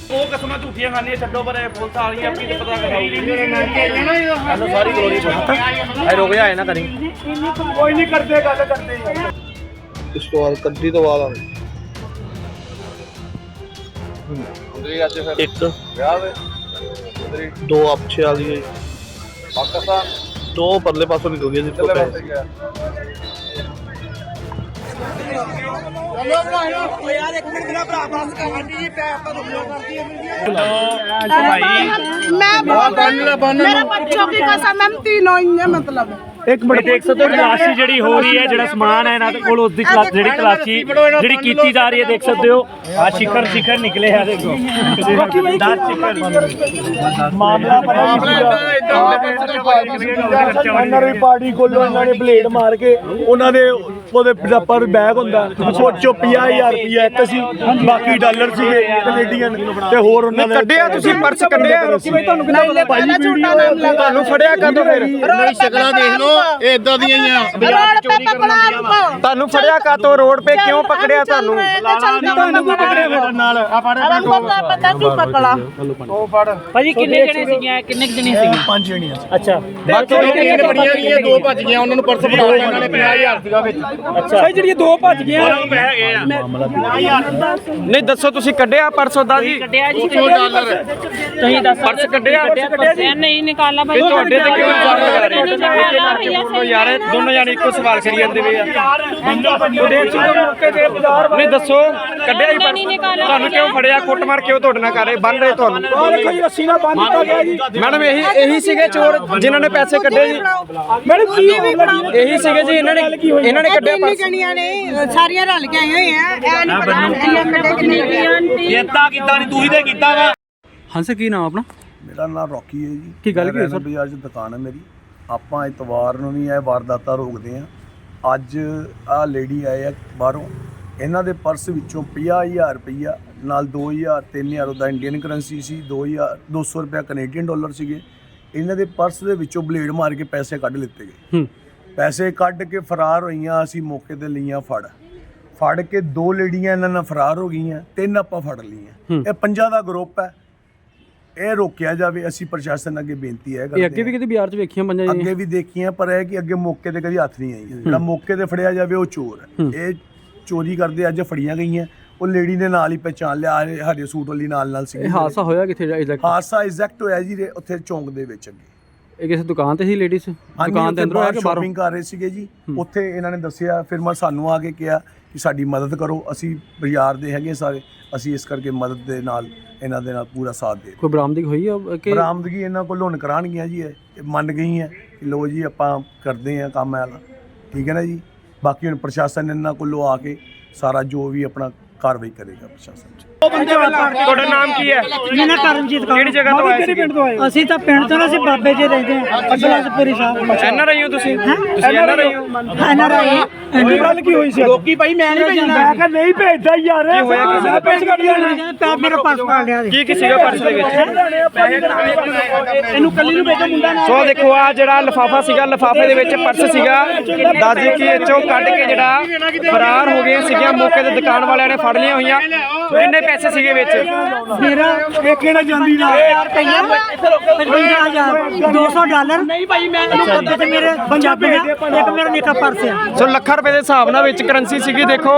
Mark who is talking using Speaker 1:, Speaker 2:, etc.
Speaker 1: ਉਹ ਕਸਮਾਂ ਝੂਠੀਆਂ ਖਾਣੀਆਂ ਛੱਡੋ ਪਰ ਪੁਲਿਸ ਆ ਗਈ ਆਪਣੀ ਪਤਾ ਸਾਨੂੰ ਸਾਰੀ ਗਲੋਰੀ ਪਤਾ ਰੁਕ ਜਾ ਨਾ ਕਰੀ
Speaker 2: ਕੋਈ ਨਹੀਂ ਕਰਦੇ ਗੱਲ ਕਰਦੇ
Speaker 3: ਇਸ ਤੋਂ ਬਾਅਦ ਕੱਢੀ ਤੋਂ ਬਾਅਦ ਇੱਕ ਦੋ ਆਪਛੇ ਆ ਗਈ ਪਾਕਿਸਤਾਨ ਦੋ ਪਰਲੇ ਪਾਸੋਂ ਨਿਕਲ ਗਏ ਜਿੱਥੇ
Speaker 2: ਯਾਰ ਇੱਕ ਮਿੰਟ ਮੇਰਾ ਭਰਾ ਬਸ ਕਹਾਂਡੀ ਜੀ ਪੈ ਆਪਾਂ ਰੁਕਿਓ ਕਰਦੀ
Speaker 4: मेरा बच्चों की कसम है तीनों ही है मतलब
Speaker 1: ਇੱਕ ਮਿੰਟ ਦੇਖ ਸਕਦੇ ਹੋ ਤਲਾਸ਼ੀ ਜਿਹੜੀ ਹੋ ਰਹੀ ਹੈ ਜਿਹੜਾ ਸਮਾਨ ਹੈ ਇਹਨਾਂ ਦੇ ਕੋਲ ਉਸ ਦੀ ਜਿਹੜੀ ਤਲਾਸ਼ੀ ਜਿਹੜੀ ਕੀਤੀ ਜਾ ਰਹੀ ਹੈ ਦੇਖ ਸਕਦੇ ਹੋ ਆ ਸ਼ਿਖਰ ਨਿਕਲੇ ਆ ਦੇਖੋ 10 ਸ਼ਿਖਰ ਮਾਮਲਾ
Speaker 2: ਇਹਨਾਂ ਦੀ ਪਾਰਟੀ ਕੋਲੋਂ ਇਹਨਾਂ ਨੇ ਬਲੇਡ ਮਾਰ ਕੇ ਉਹਨਾਂ ਦੇ ਉਹਦੇ ਪਰ ਬੈਗ ਹੁੰਦਾ ਸੋਚੋ 50000 ਰੁਪਇਆ ਇੱਕ ਸੀ ਬਾਕੀ ਡਾਲਰ ਸੀਗੇ ਕੈਨੇਡੀਅਨ ਤੇ ਹੋਰ ਉਹਨਾਂ ਨੇ
Speaker 3: ਕੱਢਿਆ ਤੁਸੀਂ ਪਰਸ ਕੱਢਿਆ ਤੁਹਾਨੂੰ ਫੜਿਆ ਕਦੋਂ ਫਿਰ
Speaker 2: ਨਹੀਂ ਸ਼ਕਲਾਂ ਦੇਖ ਲਓ ਇਹ ਇਦਾਂ ਦੀਆਂ ਹੀ ਆ
Speaker 3: ਤੁਹਾਨੂੰ ਫੜਿਆ ਕਾਤੋਂ ਰੋਡ 'ਤੇ ਕਿਉਂ ਪਕੜਿਆ ਤੁਹਾਨੂੰ
Speaker 2: ਪਕੜਿਆ ਨਾਲ ਆ
Speaker 4: पकड़ा
Speaker 2: ਉਹ ਫੜ
Speaker 5: ਭਾਜੀ ਕਿੰਨੇ ਜਣੇ ਸੀਗੇ ਕਿੰਨੇ ਜਣੇ ਸੀਗੇ
Speaker 2: 5 ਜਣੀਆਂ
Speaker 5: ਅੱਛਾ
Speaker 2: ਬਾਕੀ ਜਿਹੜੀਆਂ ਬੜੀਆਂ ਗਈਆਂ ਦੋ ਭੱਜ ਗਈਆਂ ਉਹਨਾਂ ਨੂੰ ਪਰਸ ਫੜਾ ਕੇ ਇਹਨਾਂ ਨੇ 50000 ਸੀਗਾ ਵਿੱਚ
Speaker 5: ਅੱਛਾ ਭਾਈ ਜਿਹੜੀਆਂ ਦੋ ਭੱਜ ਗਈਆਂ
Speaker 1: ਉਹਨਾਂ ਨੂੰ ਪੈਸੇ ਹੈਗੇ ਆ
Speaker 3: ਨਹੀਂ ਦੱਸੋ ਤੁਸੀਂ ਕੱਢਿਆ ਪਰਸ ਉਹਦਾ ਜੀ
Speaker 5: ਕੱਢਿਆ ਜੀ
Speaker 2: ਡਾਲਰ
Speaker 5: ਤੁਸੀਂ ਦੱਸ
Speaker 3: ਪਰਸ ਕੱਢਿਆ
Speaker 5: ਨਹੀਂ ਨਿਕਾਲਾ ਭਾਈ
Speaker 3: ਤੁਹਾਡੇ ਤੇ ਕਿਉਂ ਇਲਜ਼ਾਮ ਲਗਾ ਰਹੇ ਯਾਰ ਦੋਨੋਂ ਜਾਣੇ ਇੱਕੋ ਸਵਾਲ ਕਰੀ ਜਾਂਦੇ ਵੇ ਨਹੀਂ ਦੱਸੋ ਕੱਢਿਆ ਜੀ ਪਰਸ ਤੁਹਾਨੂੰ ਕਿਉਂ ਫੜਿਆ ਕੁੱਟਮਾਰ ਕਿਉਂ ਤੁਹਾਡੇ ਨਾਲ ਕਰ ਰਹੇ ਬੰਨ ਰਹੇ ਤੁਹਾਨੂੰ
Speaker 2: ਦੇਖੋ ਜੀ ਰੱਸੀ ਨਾਲ ਬੰਨ ਦਿੱਤਾ ਗਿਆ ਜੀ
Speaker 3: ਮੈਡਮ ਇਹੀ ਸੀਗੇ ਚੋਰ ਜਿਨ੍ਹਾਂ ਨੇ ਪੈਸੇ ਕੱਢੇ ਜੀ
Speaker 2: ਮੈਡਮ ਕੀ
Speaker 3: ਇਹੀ ਸੀਗੇ ਜੀ ਇਹਨਾਂ ਨੇ ਕੱਢਿਆ ਪਰਸ
Speaker 4: ਜਣੀਆਂ ਨੇ ਸਾਰੀਆਂ ਰਲ ਕੇ ਆਏ ਹੋਏ ਆ ਇਹ ਨਹੀਂ ਪਤਾ
Speaker 1: ਕੀਤਾ ਨਹੀਂ ਤੂੰ ਹੀ ਤੇ ਕੀਤਾ ਵਾ
Speaker 6: ਹਾਂ ਸਰ ਕੀ ਨਾਮ ਆਪਣਾ
Speaker 7: ਮੇਰਾ ਨਾਮ ਰੌਕੀ ਹੈ ਜੀ।
Speaker 6: ਕੀ ਗੱਲ ਕੀ ਹੋਈ ਸਰ?
Speaker 7: ਬਾਜ਼ਾਰ 'ਚ ਦੁਕਾਨ ਹੈ ਮੇਰੀ। ਆਪਾਂ ਇਤਵਾਰ ਨੂੰ ਵੀ ਇਹ ਵਾਰਦਾਤਾਂ ਰੋਕਦੇ ਹਾਂ। ਅੱਜ ਆਹ ਲੇਡੀ ਆਏ ਆ ਬਾਹਰੋਂ, ਇਹਨਾਂ ਦੇ ਪਰਸ ਵਿੱਚੋਂ 50000 ਰੁਪਈਆ ਨਾਲ 2000 3000 ਉਹਦਾ ਇੰਡੀਅਨ ਕਰੰਸੀ ਸੀ, 200 ਰੁਪਇਆ ਕੈਨੇਡੀਅਨ ਡਾਲਰ ਸੀਗੇ। ਇਹਨਾਂ ਦੇ ਪਰਸ ਦੇ ਵਿੱਚੋਂ ਬਲੇਡ ਮਾਰ ਕੇ ਪੈਸੇ ਕੱਢ ਲਿੱਤੇ ਗਏ। ਪੈਸੇ ਕੱਢ ਕੇ ਫਰਾਰ ਹੋਈਆਂ। ਅਸੀਂ ਮੌਕੇ ਤੇ ਲਈਆਂ ਫੜ ਕੇ 2 ਲੇਡੀਆਂ ਇਹਨਾਂ ਨਾਲ ਫਰਾਰ ਹੋ ਗਈਆਂ, 3 ਆਪਾਂ ਫੜ ਲਈਆਂ। ਇਹ 5 ਦਾ ਗਰੁੱਪ ਹੈ, ਇਹ ਰੋਕਿਆ ਜਾਵੇ। ਅਸੀਂ ਪ੍ਰਸ਼ਾਸਨ ਅੱਗੇ ਬੇਨਤੀ ਹੈ
Speaker 6: ਇਹ ਅੱਗੇ ਵੀ ਕਿਤੇ ਬਾਜ਼ਾਰ 'ਚ ਵੇਖੀਆਂ ਪੰਜਾਂ ਜੀ
Speaker 7: ਅੱਗੇ ਵੀ ਦੇਖੀਆਂ, ਪਰ ਇਹ ਕਿ ਅੱਗੇ ਮੌਕੇ ਤੇ ਕਦੀ ਹੱਥ ਨਹੀਂ ਆਈ। ਜਿਹੜਾ ਮੌਕੇ ਤੇ ਫੜਿਆ ਜਾਵੇ ਉਹ ਚੋਰ ਹੈ। ਇਹ ਚੋਰੀ ਕਰਦੇ ਅੱਜ ਫੜੀਆਂ ਗਈਆਂ। ਉਹ ਲੇਡੀ ਨੇ ਨਾਲ ਹੀ ਪਹਿਚਾਣ ਲਿਆ, ਹਰੇ ਸੂਟ ਵਾਲੀ ਨਾਲ ਸੀ।
Speaker 6: ਇਹ ਹਾਦਸਾ ਹੋਇਆ ਕਿੱਥੇ ਐਗਜ਼ੈਕਟ?
Speaker 7: ਹਾਦਸਾ ਐਗਜ਼ੈਕਟ ਹੋਇਆ ਜੀ ਉੱਥੇ ਚੌਂਕ ਦੇ ਵਿੱਚ ਅੱਗੇ।
Speaker 6: ਇਹ ਕਿਸੇ ਦੁਕਾਨ ਤੇ ਸੀ ਲੇਡੀਜ਼? ਦੁਕਾਨ ਦੇ ਅੰਦਰੋਂ ਆ ਕੇ ਬਾਹਰੋਂ
Speaker 7: ਸ਼ਾਪਿੰਗ ਕਰ ਰਹੇ ਸੀਗੇ ਜੀ। ਉੱਥੇ ਇਹਨਾਂ ਨੇ ਦੱਸਿਆ, ਫਿਰ ਸਾਨੂੰ ਆ ਕੇ ਕਿਹਾ ਕਿ ਸਾਡੀ ਮਦਦ ਕਰੋ, ਅਸੀਂ ਬਾਜ਼ਾਰ ਦੇ ਹੈਗੇ ਸਾਰੇ, ਅਸੀਂ ਇਸ ਕਰਕੇ ਮਦਦ ਦੇ ਨਾਲ ਇਹਨਾਂ ਦੇ ਨਾਲ ਪੂਰਾ ਸਾਥ ਦੇ।
Speaker 6: ਕੋਈ ਬਰਾਮਦਗੀ ਹੋਈ ਆ ਕਿ
Speaker 7: ਬਰਾਮਦਗੀ ਇਹਨਾਂ ਕੋਲ ਹੁਣ ਕਰਾਉਣਗੀਆਂ ਜੀ। ਇਹ ਮੰਨ ਗਈਆਂ ਕਿ ਲੋ ਜੀ ਆਪਾਂ ਕਰਦੇ ਹਾਂ ਕੰਮ ਵਾਲਾ, ਠੀਕ ਹੈ ਨਾ ਜੀ। ਬਾਕੀ ਹੁਣ ਪ੍ਰਸ਼ਾਸਨ ਇਹਨਾਂ ਕੋਲੋਂ ਆ ਕੇ ਸਾਰਾ ਜੋ ਵੀ ਆਪਣਾ ਕਾਰਵਾਈ ਕਰੇਗਾ ਪ੍ਰਸ਼ਾਸਨ।
Speaker 3: ਤੁਹਾਡਾ ਨਾਮ ਕੀ ਹੈ?
Speaker 4: ਮੇਰਾ ਕਰਮਜੀਤ ਕੌਰ।
Speaker 3: ਕਿਹੜੀ ਜਗ੍ਹਾ ਤੋਂ ਆਏ?
Speaker 4: ਅਸੀਂ ਤਾਂ ਪਿੰਡ ਤੋਂ ਅਸੀਂ ਬਾਬੇ ਜੀ ਰਹਿੰਦੇ ਆ ਅਬਲਾਸਪੁਰੀ ਸਾਹਿਬ।
Speaker 3: ਐਨਆਰਆਈ ਹੋ ਤੁਸੀਂ ਐਨਆਰਆਈ ਹੋ?
Speaker 4: ਐਨਆਰਆਈ
Speaker 2: ਐਡੀ ਗੱਲ ਕੀ ਹੋਈ ਸੀ? ਲੋਕੀ ਭਾਈ ਮੈਂ ਨਹੀਂ ਭੇਜਣਾ। ਮੈਂ ਕਿਹਾ ਨਹੀਂ ਭੇਜਦਾ ਯਾਰ।
Speaker 3: ਕੀ ਹੋਇਆ? ਕਿਸੇ ਦਾ
Speaker 2: ਪੈਸੇ ਕੱਢ ਲਿਆ
Speaker 4: ਤਾਂ ਮੇਰਾ ਪਾਸ ਪਾ ਲਿਆ।
Speaker 3: ਕੀ ਸੀਗਾ ਪਰਸ ਦੇ ਵਿੱਚ?
Speaker 2: ਇਹਨੂੰ ਕੱਲੀ ਨੂੰ ਭੇਜੋ ਮੁੰਡਾ ਨਾਲ।
Speaker 3: ਸੋ ਦੇਖੋ ਆ ਜਿਹੜਾ ਲਿਫਾਫਾ ਸੀਗਾ, ਲਿਫਾਫੇ ਦੇ ਵਿੱਚ ਪਰਸ ਸੀਗਾ। ਦਾਦੀ ਕੀ ਇੱਥੋਂ ਕੱਢ ਕੇ ਜਿਹੜਾ ਫਰਾਰ ਹੋ ਗਏ ਸੀਗੀਆਂ। ਮੌਕੇ ਤੇ ਦੁਕਾਨ ਵਾਲਿਆਂ ਨੇ ਫੜ ਲਈਆਂ ਹੋਈਆਂ। ਕਿੰਨੇ ਪੈਸੇ ਸੀਗੇ ਵਿੱਚ?
Speaker 4: ਮੇਰਾ
Speaker 2: ਇਹ ਕਿਹੜਾ ਜਾਂਦੀ ਨਾਲ
Speaker 4: ਰੁਪਈਆ 55000 200 ਡਾਲਰ ਨਹੀਂ ਭਾਈ ਮੈਂ ਮੇਰੇ ਪੰਜਾਬੀ ਦਾ ਇੱਕ ਮੇਰਾ ਨਿੱਕਾ ਪਰਸ ਆ।
Speaker 3: ਸੋ ਲੱਖਾਂ ਰੁਪਏ ਦੇ ਹਿਸਾਬ ਨਾਲ ਵਿੱਚ ਕਰੰਸੀ ਸੀਗੀ। ਦੇਖੋ